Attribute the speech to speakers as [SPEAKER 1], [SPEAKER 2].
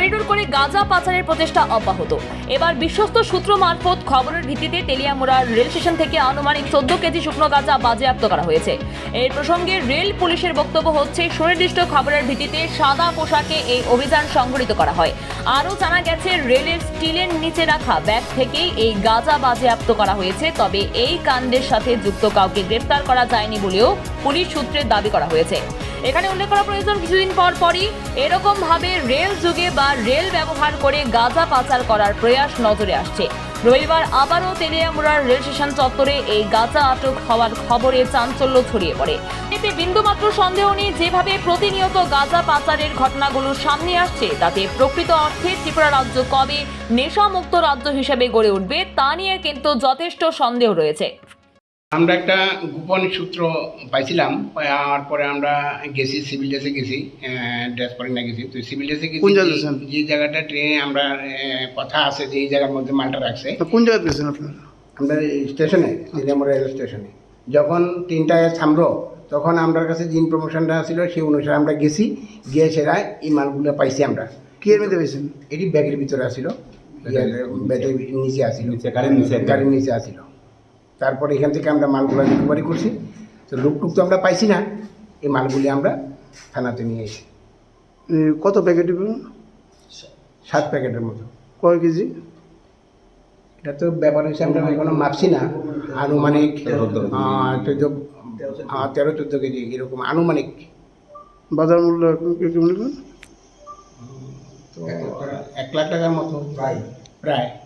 [SPEAKER 1] Corridor করে গাঁজা পাচারের প্রচেষ্টা অব্যাহত। এবার বিশ্বস্ত সূত্র মারফত খবরের ভিত্তিতে তেলিয়ামুড়া রেল স্টেশন থেকে আনুমানিক 14 কেজি শুকনো গাঁজা বাজেয়াপ্ত করা হয়েছে। এই প্রসঙ্গে রেল পুলিশের বক্তব্য হচ্ছে, সুনির্দিষ্ট খবরের ভিত্তিতে সাদা পোশাকে এই অভিযান সংঘটিত করা হয়। আরও জানা গেছে, রেলের স্টিলের নিচে রাখা ব্যাগ থেকেই এই গাঁজা বাজেয়াপ্ত করা হয়েছে। তবে এই কাণ্ডের সাথে যুক্ত কাউকে গ্রেফতার করা যায়নি বলেও পুলিশ সূত্রে দাবি করা হয়েছে। এখানে উল্লেখ করা প্রয়োজন, কিছুদিন পরই এরকম ভাবে রেল যুগে বা রেল ব্যবহার করে গাঁজা পাচার করার প্রয়াস নজরে আসছে। রবিবার আবারও তেলিয়ামুড়ার রেল স্টেশন চত্বরে এই গাঁজা আটক হওয়ার খবরে চাঞ্চল্য ছড়িয়ে পড়ে। এতে বিন্দুমাত্র সন্দেহ নেই, যেভাবে প্রতিনিয়ত গাঁজা পাচারের ঘটনাগুলো সামনে আসছে, তাতে প্রকৃত অর্থে ত্রিপুরা রাজ্য কবে নেশামুক্ত রাজ্য হিসেবে গড়ে উঠবে তা নিয়ে কিন্তু যথেষ্ট সন্দেহ রয়েছে।
[SPEAKER 2] আমরা একটা গোপন সূত্র পাইছিলাম, পাওয়ার পরে আমরা গেছি, সিভিল ড্রেসে গেছি, ড্রেস পরে না গেছি। তো সিভিল ড্রেসে গেছি, যে জায়গাটা ট্রেনে আমরা কথা আছে যে এই জায়গার মধ্যে মালটা রাখছে।
[SPEAKER 3] কোন জায়গায় গেছেন আপনারা?
[SPEAKER 2] আমরা স্টেশনে, তেলিয়ামুড়া রেল স্টেশনে যখন ট্রেনটায় থামলো, তখন আমার কাছে যে ইনফরমেশনটা ছিল সেই অনুসারে আমরা গেছি, গিয়ে সেরা এই মালগুলো পাইছি। আমরা
[SPEAKER 3] কি এর মধ্যে পেয়েছেন?
[SPEAKER 2] এটি ব্যাগের ভিতরে আসিল, ব্যাগের নিচে আসিল, গাড়ির নিচে আসিল। তারপরে এখান থেকে আমরা মালগুলো রিকভারি করছি। তো লুকটুক তো আমরা পাইছি না, এই মালগুলি আমরা থানাতে নিয়ে এসেছি।
[SPEAKER 3] কত প্যাকেট?
[SPEAKER 2] 7 প্যাকেটের মতো।
[SPEAKER 3] কয় কেজি?
[SPEAKER 2] এটা তো ব্যাপার হচ্ছে আমরা এখনো মাপছি না, আনুমানিক 13-14 কেজি এরকম আনুমানিক।
[SPEAKER 3] বাজার মূল্য কেমন?
[SPEAKER 2] তো 1 লাখ টাকার মতো প্রায়।